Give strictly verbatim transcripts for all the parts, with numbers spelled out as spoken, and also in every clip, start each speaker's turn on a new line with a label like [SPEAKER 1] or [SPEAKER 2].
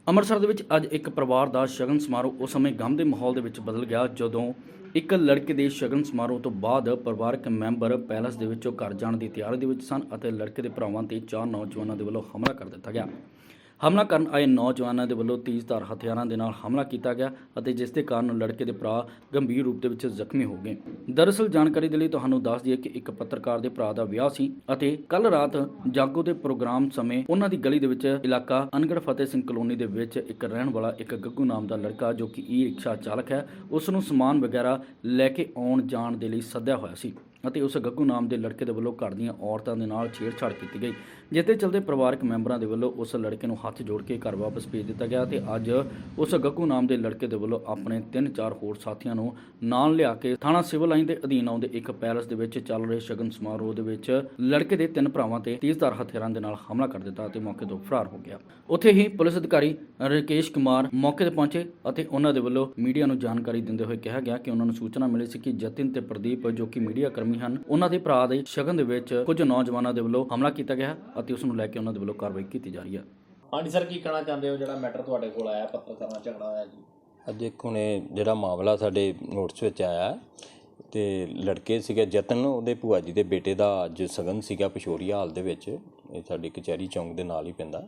[SPEAKER 1] ਅੰਮ੍ਰਿਤਸਰ ਦੇ ਵਿੱਚ ਅੱਜ ਇੱਕ ਪਰਿਵਾਰ ਦਾ ਸ਼ਗਨ ਸਮਾਰੋਹ ਉਸ ਸਮੇਂ ਗਮ ਦੇ ਮਾਹੌਲ ਦੇ ਵਿੱਚ ਬਦਲ ਗਿਆ ਜਦੋਂ ਇੱਕ ਲੜਕੇ ਦੇ ਸ਼ਗਨ ਸਮਾਰੋਹ ਤੋਂ ਬਾਅਦ ਪਰਿਵਾਰਕ ਮੈਂਬਰ ਪੈਲਸ ਦੇ ਵਿੱਚੋਂ ਘਰ ਜਾਣ ਦੀ ਤਿਆਰੀ ਦੇ ਵਿੱਚ ਸਨ ਅਤੇ ਲੜਕੇ ਦੇ ਭਰਾਵਾਂ ਤੇ ਚਾਰ ਨੌਜਵਾਨਾਂ ਦੇ ਵੱਲੋਂ ਹਮਲਾ ਕਰ ਦਿੱਤਾ ਗਿਆ। ਹਮਲਾ ਕਰਨ ਆਏ ਨੌਜਵਾਨਾਂ ਦੇ ਵੱਲੋਂ ਤੇਜ਼ਧਾਰ ਹਥਿਆਰਾਂ ਦੇ ਨਾਲ ਹਮਲਾ ਕੀਤਾ ਗਿਆ ਅਤੇ ਜਿਸ ਦੇ ਕਾਰਨ ਲੜਕੇ ਦੇ ਭਰਾ ਗੰਭੀਰ ਰੂਪ ਦੇ ਵਿੱਚ ਜ਼ਖਮੀ ਹੋ ਗਏ। ਦਰਅਸਲ ਜਾਣਕਾਰੀ ਦੇ ਲਈ ਤੁਹਾਨੂੰ ਦੱਸ ਦਈਏ ਕਿ ਇੱਕ ਪੱਤਰਕਾਰ ਦੇ ਭਰਾ ਦਾ ਵਿਆਹ ਸੀ ਅਤੇ ਕੱਲ ਰਾਤ ਜਾਗੋ ਦੇ ਪ੍ਰੋਗਰਾਮ ਸਮੇਂ ਉਹਨਾਂ ਦੀ ਗਲੀ ਦੇ ਵਿੱਚ ਇਲਾਕਾ ਅਨਗੜ ਫਤਿਹ ਸਿੰਘ ਕਲੋਨੀ ਦੇ ਵਿੱਚ ਇੱਕ ਰਹਿਣ ਵਾਲਾ ਇੱਕ ਗੱਗੂ ਨਾਮ ਦਾ ਲੜਕਾ ਜੋ ਕਿ ਈ ਰਿਕਸ਼ਾ ਚਾਲਕ ਹੈ, ਉਸ ਨੂੰ ਸਮਾਨ ਵਗੈਰਾ ਲੈ ਕੇ ਆਉਣ ਜਾਣ ਦੇ ਲਈ ਸੱਦਿਆ ਹੋਇਆ ਸੀ ਅਤੇ ਉਸ ਗੱਗੂ ਨਾਮ ਦੇ ਲੜਕੇ ਦੇ ਵੱਲੋਂ ਘਰ ਦੀਆਂ ਔਰਤਾਂ ਦੇ ਨਾਲ ਛੇੜਛਾੜ ਕੀਤੀ ਗਈ, ਜਿਸ ਦੇ ਚਲਦੇ ਪਰਿਵਾਰਕ ਮੈਂਬਰਾਂ ਦੇ ਵੱਲੋਂ ਉਸ ਲੜਕੇ ਨੂੰ ਹੱਥ ਜੋੜ ਕੇ ਘਰ ਵਾਪਸ ਭੇਜ ਦਿੱਤਾ ਗਿਆ ਤੇ ਅੱਜ ਉਸ ਗੱਗੂ ਨਾਮ ਦੇ ਲੜਕੇ ਦੇ ਵੱਲੋਂ ਆਪਣੇ ਤਿੰਨ ਚਾਰ ਹੋਰ ਸਾਥੀਆਂ ਨੂੰ ਨਾਲ ਲਿਆ ਕੇ ਥਾਣਾ ਸਿਵਲ ਲਾਈਨ ਦੇ ਅਧੀਨ ਆਉਂਦੇ ਇੱਕ ਪੈਲਸ ਦੇ ਵਿੱਚ ਚੱਲ ਰਹੇ ਸ਼ਗਨ ਸਮਾਰੋਹ ਦੇ ਵਿੱਚ ਲੜਕੇ ਦੇ ਤਿੰਨ ਭਰਾਵਾਂ ਤੇ ਤੇਜ਼ਧਾਰ ਹਥਿਆਰਾਂ ਦੇ ਨਾਲ ਹਮਲਾ ਕਰ ਦਿੱਤਾ ਅਤੇ ਮੌਕੇ ਤੋਂ ਫਰਾਰ ਹੋ ਗਿਆ। ਉੱਥੇ ਹੀ ਪੁਲਿਸ ਅਧਿਕਾਰੀ ਰਕੇਸ਼ ਕੁਮਾਰ ਮੌਕੇ ਤੇ ਪਹੁੰਚੇ ਅਤੇ ਉਹਨਾਂ ਦੇ ਵੱਲੋਂ ਮੀਡੀਆ ਨੂੰ ਜਾਣਕਾਰੀ ਦਿੰਦੇ ਹੋਏ ਕਿਹਾ ਗਿਆ ਕਿ ਉਹਨਾਂ ਨੂੰ ਸੂਚਨਾ ਮਿਲੀ ਸੀ ਕਿ ਜਤਿਨ ਤੇ ਪ੍ਰਦੀਪ ਜੋ ਕਿ ਮੀਡੀਆ ਕਰਮੀ ਹਨ, ਉਹਨਾਂ ਦੇ ਭਰਾ ਦੇ ਸ਼ਗਨ ਦੇ ਵਿੱਚ ਕੁਝ ਨੌਜਵਾਨਾਂ ਦੇ ਵੱਲੋਂ ਹਮਲਾ ਕੀਤਾ ਗਿਆ ਅਤੇ ਉਸ ਨੂੰ ਲੈ ਕੇ ਉਹਨਾਂ ਦੇ ਵੱਲੋਂ ਕਾਰਵਾਈ ਕੀਤੀ ਜਾ ਰਹੀ ਹੈ।
[SPEAKER 2] ਹਾਂਜੀ ਸਰ, ਕੀ ਕਹਿਣਾ ਚਾਹੁੰਦੇ ਹੋ ਜਿਹੜਾ ਮੈਟਰ ਤੁਹਾਡੇ ਕੋਲ ਆਇਆ, ਪੱਤਰਕਾਰ ਨਾਲ ਝਗੜਾ ਹੋਇਆ ਜੀ?
[SPEAKER 3] ਅੱਜ ਇੱਕ ਹੁਣੇ ਜਿਹੜਾ ਮਾਮਲਾ ਸਾਡੇ ਨੋਟਿਸ ਵਿੱਚ ਆਇਆ ਤੇ ਲੜਕੇ ਸੀਗੇ ਜਤਨ, ਉਹਦੇ ਭੂਆ ਜੀ ਦੇ ਬੇਟੇ ਦਾ ਅੱਜ ਸ਼ਗਨ ਸੀਗਾ ਪਿਸ਼ੋਰੀਆ ਹਾਲ ਦੇ ਵਿੱਚ, ਇਹ ਸਾਡੇ ਕਚਹਿਰੀ ਚੌਂਕ ਦੇ ਨਾਲ ਹੀ ਪੈਂਦਾ।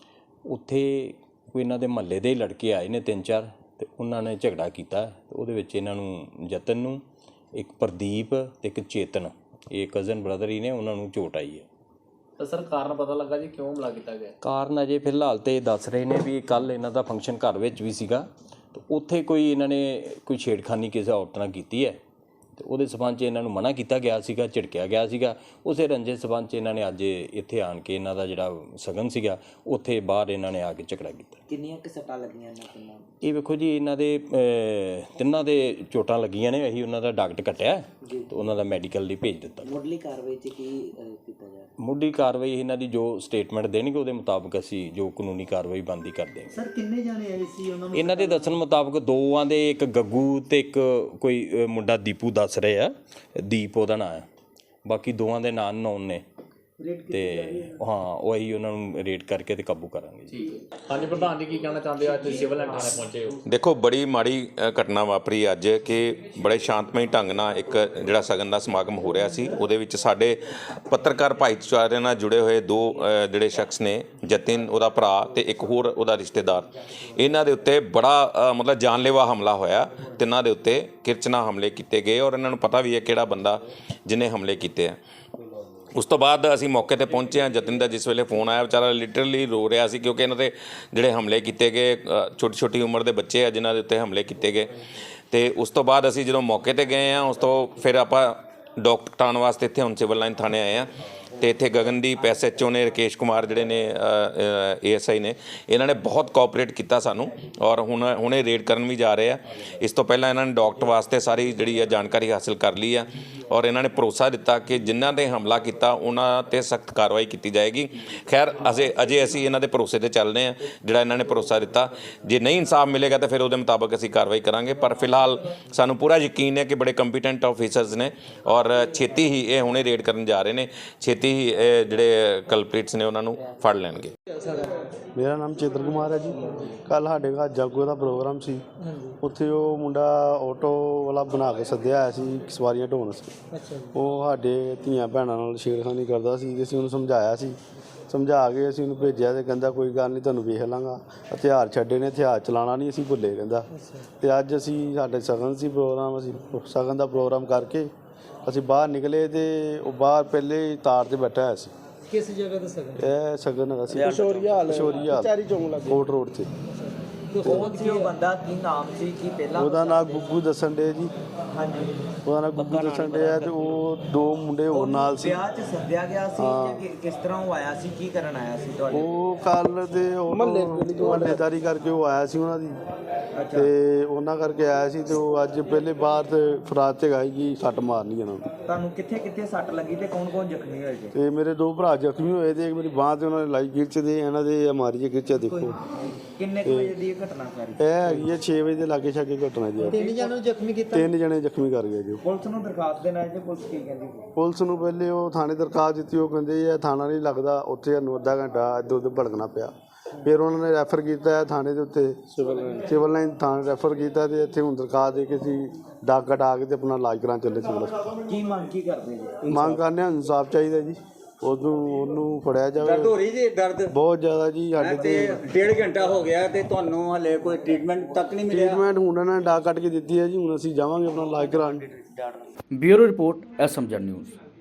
[SPEAKER 3] ਉੱਥੇ ਕੋਈ ਇਹਨਾਂ ਦੇ ਮਹੱਲੇ ਦੇ ਲੜਕੇ ਆਏ ਨੇ ਤਿੰਨ ਚਾਰ ਤੇ ਉਹਨਾਂ ਨੇ ਝਗੜਾ ਕੀਤਾ ਤੇ ਉਹਦੇ ਵਿੱਚ ਇਹਨਾਂ ਨੂੰ ਜਤਨ ਨੂੰ, ਇੱਕ ਪ੍ਰਦੀਪ ਤੇ ਇੱਕ ਚੇਤਨ, ਇਹ ਕਜ਼ਨ ਬ੍ਰਦਰ ਹੀ ਨੇ, ਉਹਨਾਂ ਨੂੰ ਚੋਟ ਆਈ ਹੈ।
[SPEAKER 2] ਤਾਂ ਸਰ ਕਾਰਨ ਪਤਾ ਲੱਗਾ ਜੀ ਕਿਉਂ ਹਮਲਾ ਕੀਤਾ ਗਿਆ?
[SPEAKER 3] ਕਾਰਨ ਅਜੇ ਫਿਲਹਾਲ ਤੇ ਦੱਸ ਰਹੇ ਨੇ ਵੀ ਕੱਲ ਇਹਨਾਂ ਦਾ ਫੰਕਸ਼ਨ ਘਰ ਵਿੱਚ ਵੀ ਸੀਗਾ ਤੇ ਉੱਥੇ ਕੋਈ ਇਹਨਾਂ ਨੇ ਕੋਈ ਛੇੜਖਾਨੀ ਕਿਸੇ ਔਰਤ ਨਾਲ ਕੀਤੀ ਹੈ ਤੇ ਉਹਦੇ ਸਬੰਧ 'ਚ ਇਹਨਾਂ ਨੂੰ ਮਨਾ ਕੀਤਾ ਗਿਆ ਸੀਗਾ, ਝਿੜਕਿਆ ਗਿਆ ਸੀਗਾ। ਉਸੇ ਰੰਜੇ ਸਬੰਧ 'ਚ ਇਹਨਾਂ ਨੇ ਅੱਜ ਇੱਥੇ ਆਣ ਕੇ ਇਹਨਾਂ ਦਾ ਜਿਹੜਾ ਸ਼ਗਨ ਸੀਗਾ ਉੱਥੇ ਬਾਹਰ ਇਹਨਾਂ ਨੇ ਆ ਕੇ ਝਗੜਾ ਕੀਤਾ।
[SPEAKER 4] ਕਿੰਨੀਆਂ ਕਿ ਸੱਟਾਂ ਲੱਗੀਆਂ ਇਹਨਾਂ ਤਿੰਨਾਂ?
[SPEAKER 3] ਇਹ ਵੇਖੋ ਜੀ, ਇਹਨਾਂ ਦੇ ਤਿੰਨਾਂ ਦੇ ਚੋਟਾਂ ਲੱਗੀਆਂ ਨੇ, ਅਸੀਂ ਉਹਨਾਂ ਦਾ ਡਾਕਟਰ ਕੱਟਿਆ ਤੇ ਉਹਨਾਂ ਦਾ ਮੈਡੀਕਲ ਲਈ ਭੇਜ ਦਿੱਤਾ।
[SPEAKER 4] ਮੁੱਢਲੀ ਕਾਰਵਾਈ 'ਚ ਕੀ ਕੀਤਾ ਜਾ?
[SPEAKER 3] ਮੁੱਢਲੀ ਕਾਰਵਾਈ ਇਹਨਾਂ ਦੀ ਜੋ ਸਟੇਟਮੈਂਟ ਦੇਣਗੇ ਉਹਦੇ ਮੁਤਾਬਕ ਅਸੀਂ ਜੋ ਕਾਨੂੰਨੀ ਕਾਰਵਾਈ ਬਣਦੀ ਕਰਦੇ ਹਾਂ।
[SPEAKER 4] ਸਰ ਕਿੰਨੇ ਜਾਣੇ ਆਏ ਸੀ ਉਹਨਾਂ ਨੂੰ?
[SPEAKER 3] ਇਹਨਾਂ ਦੇ ਦੱਸਣ ਮੁਤਾਬਕ ਦੋਵਾਂ ਦੇ, ਇੱਕ ਗੱਗੂ ਤੇ ਇੱਕ ਕੋਈ ਮੁੰਡਾ ਦੀਪੂ ਦੱਸ ਰਹੇ ਆ, ਦੀਪ ਉਹਦਾ ਨਾਂ ਹੈ, ਬਾਕੀ ਦੋਵਾਂ ਦੇ ਨਾਂ ਨੌਨ ਨੇ ਤੇ ਹਾਂ ਉਹ ਅਸੀਂ ਉਹਨਾਂ ਨੂੰ ਰੇਟ ਕਰਕੇ ਤੇ ਕਾਬੂ ਕਰਾਂਗੇ ਜੀ।
[SPEAKER 2] ਹਾਂਜੀ ਪ੍ਰਧਾਨ ਜੀ, ਕੀ ਕਹਿਣਾ ਚਾਹੁੰਦੇ ਹੋ? ਅੱਜ ਤੁਸੀਂ ਸਿਵਲ ਲਾਈਨ ਥਾਣੇ ਪਹੁੰਚੇ ਹੋ।
[SPEAKER 5] ਦੇਖੋ, ਬੜੀ ਮਾੜੀ ਘਟਨਾ ਵਾਪਰੀ ਅੱਜ ਕਿ ਬੜੇ ਸ਼ਾਂਤਮਈ ਢੰਗ ਨਾਲ ਇੱਕ ਜਿਹੜਾ ਸ਼ਗਨ ਦਾ ਸਮਾਗਮ ਹੋ ਰਿਹਾ ਸੀ, ਉਹਦੇ ਵਿੱਚ ਸਾਡੇ ਪੱਤਰਕਾਰ ਭਾਈਚਾਰੇ ਨਾਲ ਜੁੜੇ ਹੋਏ ਦੋ ਜਿਹੜੇ ਸ਼ਖਸ ਨੇ, ਜਤਿਨ ਉਹਦਾ ਭਰਾ ਤੇ ਇੱਕ ਹੋਰ ਉਹਦਾ ਰਿਸ਼ਤੇਦਾਰ, ਇਹਨਾਂ ਦੇ ਉੱਤੇ ਬੜਾ ਮਤਲਬ ਜਾਨਲੇਵਾ ਹਮਲਾ ਹੋਇਆ। ਤਿੰਨਾਂ ਦੇ ਉੱਤੇ ਕਿਰਚਨਾ ਹਮਲੇ ਕੀਤੇ ਗਏ ਔਰ ਇਹਨਾਂ ਨੂੰ ਪਤਾ ਵੀ ਹੈ ਕਿਹੜਾ ਬੰਦਾ ਜਿਹਨੇ ਹਮਲੇ ਕੀਤੇ ਆ। ਉਸ ਤੋਂ ਬਾਅਦ ਅਸੀਂ ਮੌਕੇ 'ਤੇ ਪਹੁੰਚੇ ਹਾਂ। ਜਤਿਨ ਦਾ ਜਿਸ ਵੇਲੇ ਫੋਨ ਆਇਆ, ਵਿਚਾਰਾ ਲਿਟਰਲੀ ਰੋ ਰਿਹਾ ਸੀ ਕਿਉਂਕਿ ਇਹਨਾਂ ਦੇ ਜਿਹੜੇ ਹਮਲੇ ਕੀਤੇ ਗਏ, ਛੋਟੀ ਛੋਟੀ ਉਮਰ ਦੇ ਬੱਚੇ ਆ ਜਿਨ੍ਹਾਂ ਦੇ ਉੱਤੇ ਹਮਲੇ ਕੀਤੇ ਗਏ। ਅਤੇ ਉਸ ਤੋਂ ਬਾਅਦ ਅਸੀਂ ਜਦੋਂ ਮੌਕੇ 'ਤੇ ਗਏ ਹਾਂ, ਉਸ ਤੋਂ ਫਿਰ ਆਪਾਂ ਡਾਕਟਰ ਕਟਾਉਣ ਵਾਸਤੇ ਇੱਥੇ ਹੁਣ ਸਿਵਲ ਲਾਈਨ ਥਾਣੇ ਆਏ ਹਾਂ ਅਤੇ ਇੱਥੇ ਗਗਨਦੀਪ ਐਸ ਐਚ ਓ ਨੇ, ਰਕੇਸ਼ ਕੁਮਾਰ ਜਿਹੜੇ ਨੇ ਏ ਐਸ ਆਈ ਨੇ, ਇਹਨਾਂ ਨੇ ਬਹੁਤ ਕੋਆਪਰੇਟ ਕੀਤਾ ਸਾਨੂੰ ਔਰ ਹੁਣ ਹੁਣੇ ਰੇਡ ਕਰਨ ਵੀ ਜਾ ਰਹੇ ਆ। ਇਸ ਤੋਂ ਪਹਿਲਾਂ ਇਹਨਾਂ ਨੇ ਡਾਕਟਰ ਵਾਸਤੇ ਸਾਰੀ ਜਿਹੜੀ ਆ ਜਾਣਕਾਰੀ ਹਾਸਿਲ ਕਰ ਲਈ ਆ ਔਰ ਇਹਨਾਂ ਨੇ ਭਰੋਸਾ ਦਿੱਤਾ ਕਿ ਜਿਨ੍ਹਾਂ ਨੇ ਹਮਲਾ ਕੀਤਾ ਉਹਨਾਂ 'ਤੇ ਸਖਤ ਕਾਰਵਾਈ ਕੀਤੀ ਜਾਏਗੀ। ਖੈਰ ਅਜੇ ਅਜੇ ਅਸੀਂ ਇਹਨਾਂ ਦੇ ਭਰੋਸੇ 'ਤੇ ਚੱਲਦੇ ਹਾਂ, ਜਿਹੜਾ ਇਹਨਾਂ ਨੇ ਭਰੋਸਾ ਦਿੱਤਾ। ਜੇ ਨਹੀਂ ਇਨਸਾਫ ਮਿਲੇਗਾ ਤਾਂ ਫਿਰ ਉਹਦੇ ਮੁਤਾਬਕ ਅਸੀਂ ਕਾਰਵਾਈ ਕਰਾਂਗੇ, ਪਰ ਫਿਲਹਾਲ ਸਾਨੂੰ ਪੂਰਾ ਯਕੀਨ ਹੈ ਕਿ ਬੜੇ ਕੰਪੀਟੈਂਟ ਆਫੀਸਰਸ ਨੇ ਔਰ ਛੇਤੀ ਹੀ ਇਹ ਹੁਣੇ ਰੇਡ ਕਰਨ ਜਾ ਰਹੇ ਨੇ, ਛੇਤੀ ਹੀ ਇਹ ਜਿਹੜੇ ਕਲਪ੍ਰੀਟਸ ਨੇ ਉਹਨਾਂ ਨੂੰ ਫੜ ਲੈਣਗੇ।
[SPEAKER 6] ਮੇਰਾ ਨਾਮ ਚੇਤਨ ਕੁਮਾਰ ਹੈ ਜੀ। ਕੱਲ੍ਹ ਸਾਡੇ ਘਰ ਜਾਗੋ ਦਾ ਪ੍ਰੋਗਰਾਮ ਸੀ, ਉੱਥੇ ਉਹ ਮੁੰਡਾ ਆਟੋ ਵਾਲਾ ਬਣਾ ਕੇ ਸੱਦਿਆ ਆਇਆ ਸੀ ਸਵਾਰੀਆਂ ਢੋਣ ਸੀ। ਉਹ ਸਾਡੇ ਧੀਆਂ ਭੈਣਾਂ ਨਾਲ ਛੇੜਖਾਨੀ ਕਰਦਾ ਸੀ। ਅਸੀਂ ਉਹਨੂੰ ਸਮਝਾਇਆ ਸੀ, ਸਮਝਾ ਕੇ ਅਸੀਂ ਉਹਨੂੰ ਭੇਜਿਆ ਤੇ ਕਹਿੰਦਾ ਕੋਈ ਗੱਲ ਨਹੀਂ, ਤੁਹਾਨੂੰ ਵੇਖ ਲਾਂਗਾ, ਹਥਿਆਰ ਛੱਡੇ ਨੇ, ਹਥਿਆਰ ਚਲਾਉਣਾ ਨਹੀਂ ਅਸੀਂ ਭੁੱਲੇ ਕਹਿੰਦਾ। ਅਤੇ ਅੱਜ ਅਸੀਂ ਸਾਡੇ ਸ਼ਗਨ ਸੀ ਪ੍ਰੋਗਰਾਮ, ਅਸੀਂ ਸ਼ਗਨ ਦਾ ਪ੍ਰੋਗਰਾਮ ਕਰਕੇ ਅਸੀਂ ਬਾਹਰ ਨਿਕਲੇ ਤੇ ਉਹ ਬਾਹਰ ਪਹਿਲੇ ਤਾਰ 'ਤੇ ਬੈਠਾ ਹੋਇਆ ਸੀ।
[SPEAKER 4] ਕਿਸ ਜਗ੍ਹਾ ਦਾ ਸ਼ਗਨ?
[SPEAKER 6] ਇਹ ਸ਼ਗਨ ਹੈਗਾ ਸੀ ਪਿਸ਼ੋਰੀਆ ਹਾਲ, ਪਿਸ਼ੋਰੀਆ ਹਾਲ ਕੋਟ ਰੋਡ 'ਤੇ।
[SPEAKER 4] ਕੌਣ ਸੀ ਉਹ ਬੰਦਾ, ਕੀ ਨਾਮ ਸੀ, ਕੀ ਪਹਿਲਾਂ?
[SPEAKER 6] ਉਹਦਾ ਨਾਮ ਗੁੱਗੂ ਦੱਸਣ ਡੇ ਜੀ।
[SPEAKER 4] ਹਾਂਜੀ,
[SPEAKER 6] ਉਹਦਾ ਨਾਮ ਗੁੱਗੂ ਦੱਸਣ ਡੇ ਆ ਤੇ ਉਹ ਦੋ ਮੁੰਡੇ ਹੋਰ ਨਾਲ ਸੀ।
[SPEAKER 4] ਵਿਆਹ 'ਚ ਸੱਦਿਆ ਗਿਆ ਸੀ ਜਾਂ ਕਿਸ ਤਰ੍ਹਾਂ ਉਹ ਆਇਆ ਸੀ, ਕੀ ਕਰਨ ਆਇਆ ਸੀ ਤੁਹਾਡੇ?
[SPEAKER 6] ਉਹ ਕੱਲ੍ਹ ਦੇ ਮਹੱਲੇਦਾਰੀ ਕਰਕੇ ਉਹ ਆਇਆ ਸੀ ਉਹਨਾਂ ਦੀ, ਤੇ ਉਹਨਾਂ ਕਰਕੇ ਆਇਆ ਸੀ ਤੇ ਉਹ ਅੱਜ ਪਹਿਲੇ ਬਾਹਰ ਤੇ ਫਰਾਜ ਤੇ ਗਾਈ ਗਈ ਸੱਟ ਮਾਰਨੀ ਇਹਨਾਂ ਨੂੰ।
[SPEAKER 4] ਤੁਹਾਨੂੰ ਕਿੱਥੇ ਕਿੱਥੇ ਸੱਟ ਲੱਗੀ ਤੇ ਕੌਣ ਕੌਣ ਜ਼ਖਮੀ ਹੋਏ ਜੀ?
[SPEAKER 6] ਤੇ ਮੇਰੇ ਦੋ ਭਰਾ ਜ਼ਖਮੀ ਹੋਏ ਤੇ ਮੇਰੀ ਬਾਂਹ ਤੇ ਉਹਨਾਂ ਨੇ ਲਾਈ ਗਿਰਚ ਦੇ, ਇਹਨਾਂ ਦੇ ਮਾਰੀ ਗਿਰਚਾ ਦੇਖੋ।
[SPEAKER 4] ਕਿੰਨੇ ਕੁ ਵਜੇ ਦੀ ਇਹ ਘਟਨਾ ਸਾਰੀ?
[SPEAKER 6] ਇਹ ਹੈਗੀ ਹੈ ਛੇ ਵਜੇ ਦੇ ਲਾਗੇ ਛਾਗੇ ਘਟਨਾ ਜੀ।
[SPEAKER 4] ਤਿੰਨ ਜਣੇ ਜ਼ਖਮੀ ਕੀਤਾ?
[SPEAKER 6] ਤਿੰਨ ਜਣੇ ਜ਼ਖਮੀ ਕਰ ਗਏ ਜੀ।
[SPEAKER 4] ਪੁਲਿਸ ਨੂੰ ਦਰਖਾਸਤ ਦੇਣਾ ਹੈ, ਪੁਲਿਸ ਕੀ ਕਹਿੰਦੀ?
[SPEAKER 6] ਪੁਲਿਸ ਨੂੰ ਪਹਿਲੇ ਉਹ ਥਾਣੇ ਦਰਖਾਸਤ ਦਿੱਤੀ, ਉਹ ਕਹਿੰਦੇ ਇਹ ਥਾਣਾ ਨਹੀਂ ਲੱਗਦਾ, ਉੱਥੇ ਸਾਨੂੰ ਅੱਧਾ ਘੰਟਾ ਇੱਧਰ ਉੱਧਰ ਭੜਕਣਾ ਪਿਆ। ਫਿਰ ਉਹਨਾਂ ਨੇ ਰੈਫਰ ਕੀਤਾ ਹੈ ਥਾਣੇ ਦੇ ਉੱਤੇ ਸਿਵਲ ਲਾਈਨ ਥਾਣੇ ਰੈਫਰ ਕੀਤਾ ਤੇ ਇੱਥੇ ਹੁਣ ਦਰਖਾਸਤ ਦੇ ਕੇ ਅਸੀਂ ਡਾਕ ਕਟਾ ਕੇ ਤੇ ਆਪਣਾ ਇਲਾਜ ਕਰਾਉਣ ਚੱਲੇ ਸਿਵਲ ਹਸਪਤਾਲ।
[SPEAKER 4] ਕੀ ਮੰਗ ਕੀ ਕਰਦੇ ਜੀ?
[SPEAKER 6] ਮੰਗ ਕਰਨੇ ਆ ਇਨਸਾਫ ਚਾਹੀਦਾ ਜੀ, ਉਹਨੂੰ ਉਹਨੂੰ ਫੜਿਆ
[SPEAKER 7] ਦਰਦ
[SPEAKER 6] ਜਾਵੇ।
[SPEAKER 7] ਹੋ ਰਹੀ ਜੀ ਦਰਦ
[SPEAKER 6] ਬਹੁਤ ਜ਼ਿਆਦਾ ਜੀ ਸਾਡੇ
[SPEAKER 7] ਤੇ
[SPEAKER 6] ਤੇ
[SPEAKER 7] ਡੇਢ ਘੰਟਾ ਹੋ ਗਿਆ ਤੇ ਤੁਹਾਨੂੰ ਹਲੇ ਕੋਈ ਟ੍ਰੀਟਮੈਂਟ ਤੱਕ ਨਹੀਂ ਮਿਲਿਆ।
[SPEAKER 6] ਟ੍ਰੀਟਮੈਂਟ ਹੁਣ ਇਹਨਾਂ ਨੇ ਡਾਕ ਕੱਟ ਕੇ ਦਿੱਤੀ ਹੈ ਜੀ, ਹੁਣ ਅਸੀਂ ਜਾਵਾਂਗੇ ਆਪਣਾ ਇਲਾਜ ਕਰਾਉਣ।
[SPEAKER 1] Bureau report SMZ news.